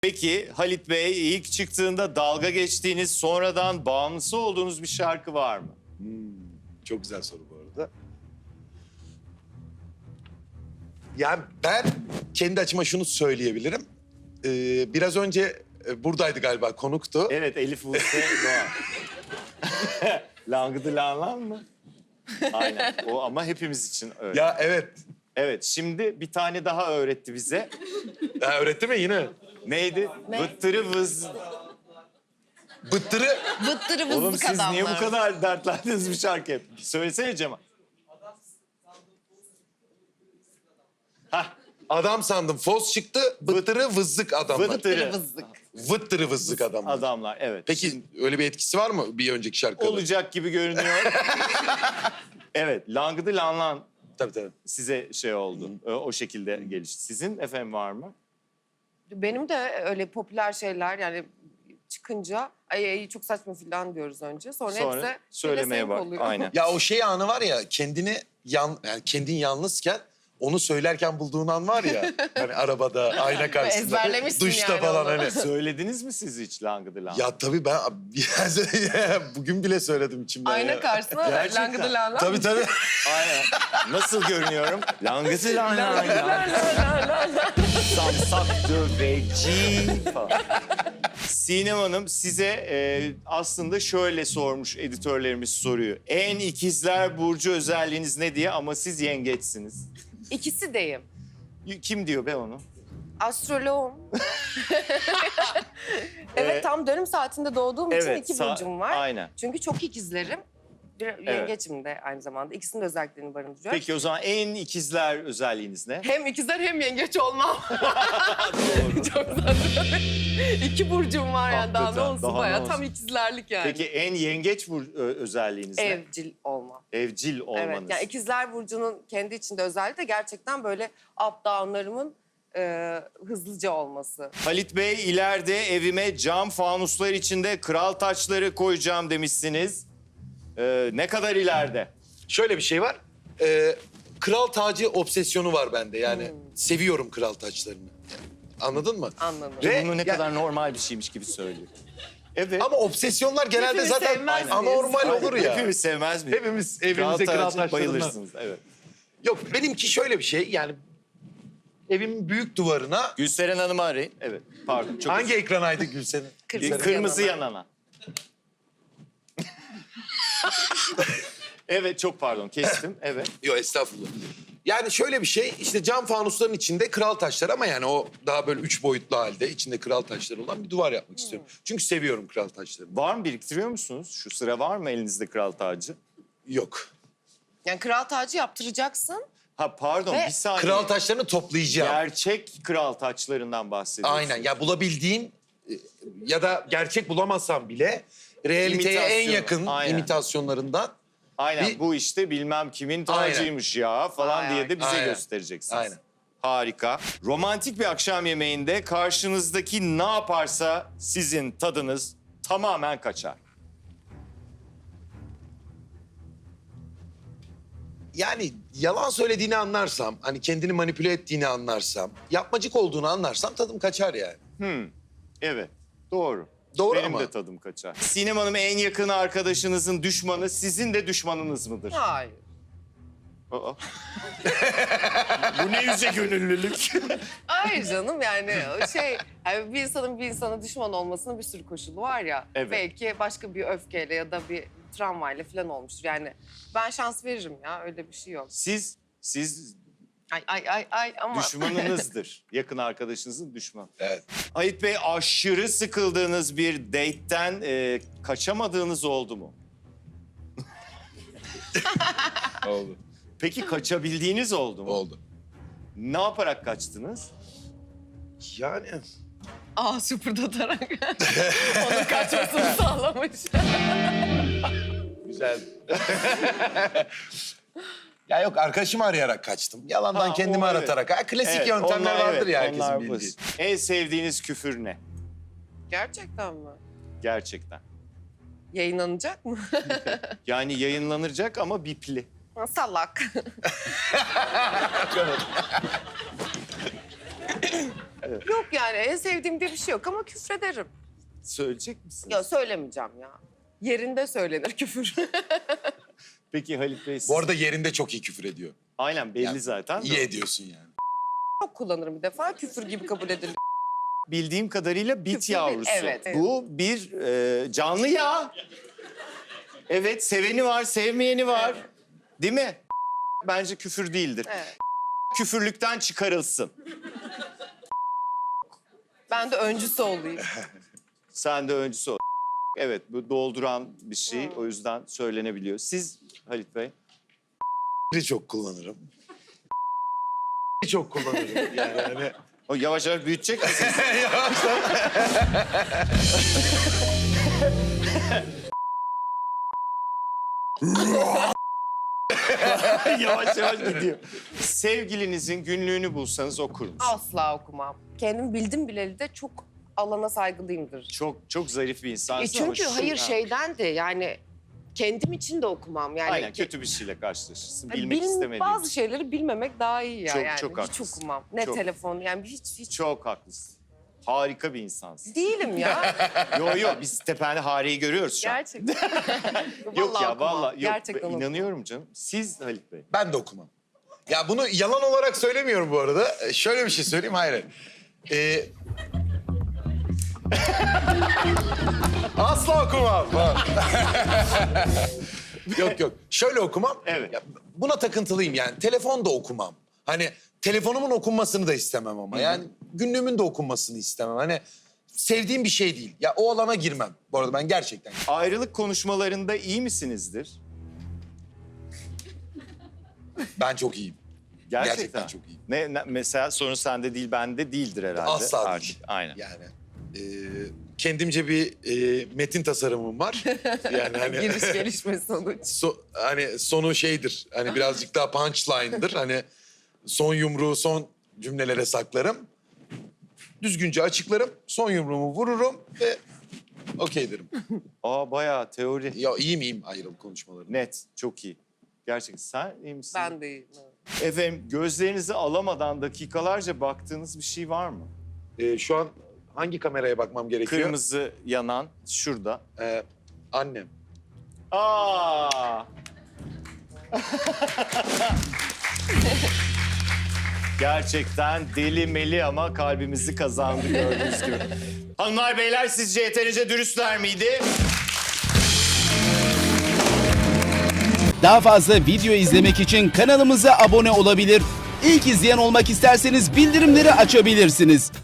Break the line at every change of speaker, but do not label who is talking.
Peki Halit Bey ilk çıktığında dalga geçtiğiniz, sonradan bağımlısı olduğunuz bir şarkı var mı?
Çok güzel soru bu arada. Yani ben kendi açıma şunu söyleyebilirim. Biraz önce buradaydı galiba, konuktu.
Evet, Elif Buse Doğan. Langıdı lan mı? Aynen. O ama hepimiz için öyle.
Ya evet.
Evet, şimdi bir tane daha öğretti bize.
Ha, öğretti mi yine?
Neydi? Vıttırı vız.
Bıttırı.
Vıttırı
Oğlum
vızlık
siz
adamlar.
niye bu kadar dertlendiniz bir şarkı hep? Söylesene Cemal. Hah,
Adam sandım. Fos çıktı. Bıttırı vızlık adamlar.
vıttırı
Vızlık.
Vıttırı vızlık adamlar.
adamlar, evet.
Peki öyle bir etkisi var mı bir önceki şarkıda?
Olacak gibi görünüyor. Evet, langıdı lan
Tabii tabii.
size şey oldu. O şekilde gelişti. Sizin efendim var mı?
Benim de öyle popüler şeyler yani çıkınca ay çok saçma falan diyoruz önce. Sonra
Sonra
hepsi
söylemeye
pelesenk
bak.
oluyor.
Aynen.
Ya o şey anı var ya, yani kendin yalnızken onu söylerken bulduğun an var ya. Hani arabada, ayna karşısında,
Ezberlemişsin
duşta
yani
falan
onu.
hani.
Söylediniz mi siz hiç langıdı lan?
Ya tabii ben bugün bile söyledim içimden
Ayna
ya.
karşısına
Gerçekten.
langıdı lan.
Tabii tabii.
Aynen. Nasıl görünüyorum? Langıdı lan Samsak döveci falan. Sinem Hanım size aslında şöyle sormuş editörlerimiz soruyu. En ikizler burcu özelliğiniz ne diye ama siz yengeçsiniz.
İkisi deyim.
Kim diyor be onu?
Astroloğum. Evet tam dönüm saatinde doğduğum için
Evet,
iki burcum var.
aynen.
Çünkü çok ikizlerim. Bir yengeçim de aynı zamanda. İkisinin de özelliklerini barındırıyor.
Peki o zaman en ikizler özelliğiniz ne?
Hem ikizler hem yengeç olmam.
Doğru.
Çok zaten. İki burcum var yani daha ne
Hakikaten,
olsun
daha ne
bayağı
olsun.
tam ikizlerlik yani.
Peki en yengeç özelliğiniz ne?
Evcil olmam.
Evcil olmanız.
Evet yani ikizler burcunun kendi içinde özelliği de gerçekten böyle up down'larımın hızlıca olması.
Halit Bey ileride evime cam fanuslar içinde kral taçları koyacağım demişsiniz. Ne kadar ileride?
Şöyle bir şey var. Kral tacı obsesyonu var bende. Yani seviyorum kral taçlarını. Anladın mı?
Anladım.
Ve
Bunu ne
ya-
kadar normal bir şeymiş gibi söylüyor. Evet.
Ama obsesyonlar genelde
Hepimiz
zaten
sevmez miyiz?
anormal olur ya.
Hepimiz sevmez miyiz?
Hepimiz evimizde kral
tacı
taçlarından.
bayılırsınız. Evet.
Yok, benimki şöyle bir şey. Yani evimin büyük duvarına...
Gülseren Hanım'ı arayın. Evet. Pardon. Çok
Hangi ekranaydı Gülsen'in?
Kırmızı yanana. Evet çok pardon kestim. Evet.
Yok, estağfurullah. Yani şöyle bir şey, işte cam fanusların içinde kral taşları ama yani o daha böyle 3 boyutlu halde içinde kral taşları olan bir duvar yapmak istiyorum. Çünkü seviyorum kral taşlarını.
Var mı biriktiriyor musunuz? Şu sıra var mı elinizde kral tacı?
Yok.
Yani kral tacı yaptıracaksın.
Ha pardon
Ve
bir saniye.
Kral taşlarını toplayacağım.
Gerçek kral taçlarından bahsediyorsun.
Aynen. Ya bulabildiğin ya da gerçek bulamazsam bile realiteye en
İmitasyon,
yakın
aynen.
imitasyonlarından.
Aynen
Bir-
bu işte bilmem kimin tacıymış ya falan
Aynen.
diye de bize
Aynen.
göstereceksiniz.
Aynen.
Harika. Romantik bir akşam yemeğinde karşınızdaki ne yaparsa sizin tadınız tamamen kaçar.
Yani yalan söylediğini anlarsam, hani kendini manipüle ettiğini anlarsam, yapmacık olduğunu anlarsam tadım kaçar yani.
Evet doğru.
Doğru
Benim
ama.
de tadım kaçar. Sinem Hanım en yakın arkadaşınızın düşmanı sizin de düşmanınız mıdır?
Hayır.
Aa. Bu ne yüce gönüllülük.
Hayır canım yani o şey yani bir insanın bir insana düşman olmasının bir sürü koşulu var ya.
Evet.
Belki başka bir öfkeyle ya da bir travmayla falan olmuştur. Yani ben şans veririm ya öyle bir şey yok.
Siz
Ay ama.
düşmanınızdır. Yakın arkadaşınızın düşmanı.
Evet.
Halit Bey aşırı sıkıldığınız bir date'ten kaçamadığınız oldu mu?
Oldu.
Peki kaçabildiğiniz oldu mu?
Oldu.
Ne yaparak kaçtınız?
Yani
Sıfırdatarak onun kaçmasını sağlamış.
güzel. Ya yok, arkadaşımı arayarak kaçtım. Yalandan
Ha,
kendimi
o evet.
aratarak. Ha, klasik
Evet,
yöntemler
onlar
vardır
evet,
ya herkesin
onlar
bildiği.
basit. En sevdiğiniz küfür ne?
Gerçekten mi?
Gerçekten.
Yayınlanacak mı?
Yani yayınlanacak ama bipli.
Salak. Yok yani en sevdiğim diye bir şey yok ama küfrederim.
Söyleyecek misin?
Ya söylemeyeceğim ya. Yerinde söylenir küfür.
Peki Halit Bey siz...
Bu arada yerinde çok iyi küfür ediyor.
Aynen belli
Yani
zaten.
İyi ediyorsun yani.
Çok kullanırım bir defa küfür gibi kabul edilir.
Bildiğim kadarıyla bit
Küfür değil,
yavrusu.
evet.
Bu bir canlı ya. Evet, seveni var, sevmeyeni var. Değil mi? Bence küfür değildir.
Evet.
Küfürlükten çıkarılsın.
Ben de öncüsü olayım.
Sen de öncüsü ol. Evet, bu dolduran bir şey. O yüzden söylenebiliyor. Siz Halit Bey?
Çok kullanırım. Çok kullanırım. Yani hani...
O yavaş yavaş büyütecek misiniz? Yavaş yavaş gidiyor. Sevgilinizin günlüğünü bulsanız okur musunuz?
Asla okumam. Kendim bildim bileli de çok alana saygılıyımdır.
Çok zarif bir insansın ama
Çünkü
şu-
hayır
Ha.
şeyden de yani kendim için de okumam. Yani
Aynen kötü bir şeyle karşılaşırsın.
Hani
Bilmek istemediğin
bazı
için.
şeyleri bilmemek daha iyi ya
Çok-
yani.
çok
hiç
haklısın.
okumam. Ne
Çok.
telefon yani hiç
Çok haklısın. Harika bir insansın.
değilim ya.
Yo biz tepende Hare'yi görüyoruz şu an.
Gerçekten.
Yok ya
okumam.
vallahi yok.
Gerçekten okumam.
İnanıyorum canım. Siz Halit Bey.
Ben de okumam. Ya bunu yalan olarak söylemiyorum bu arada. Şöyle bir şey söyleyeyim. Hayır. Asla okumam. Yok. Şöyle okumam.
Evet.
Ya, buna takıntılıyım yani. Telefon da okumam. Hani telefonumun okunmasını da istemem ama. Yani günlüğümün de okunmasını istemem. Hani sevdiğim bir şey değil. Ya o alana girmem. Bu arada ben gerçekten.
Ayrılık konuşmalarında iyi misinizdir?
Ben çok iyiyim.
Gerçekten.
çok iyiyim.
Mesela sorun sende değil bende değildir herhalde.
Asla
Artık.
değil.
Aynen.
Yani kendimce bir metin tasarımım var. Yani hani
Giriş gelişme sonuç.
hani sonu şeydir. Hani birazcık daha punchline'dır. Hani son yumruğu son cümlelere saklarım. Düzgünce açıklarım. Son yumruğumu vururum ve okey derim.
Aa bayağı teori.
Ya iyiyim ayrılık konuşmaları.
Net. Çok iyi. Gerçekten. Sen iyi misin?
Ben de iyiyim. evet.
Efendim gözlerinizi alamadan dakikalarca baktığınız bir şey var mı?
Şu an hangi kameraya bakmam gerekiyor?
Kırmızı yanan şurada.
Annem.
Aa! Gerçekten deli meli ama kalbimizi kazandı gördüğünüz gibi. Hanımlar beyler sizce yeterince dürüstler miydi?
Daha fazla video izlemek için kanalımıza abone olabilir. İlk izleyen olmak isterseniz bildirimleri açabilirsiniz.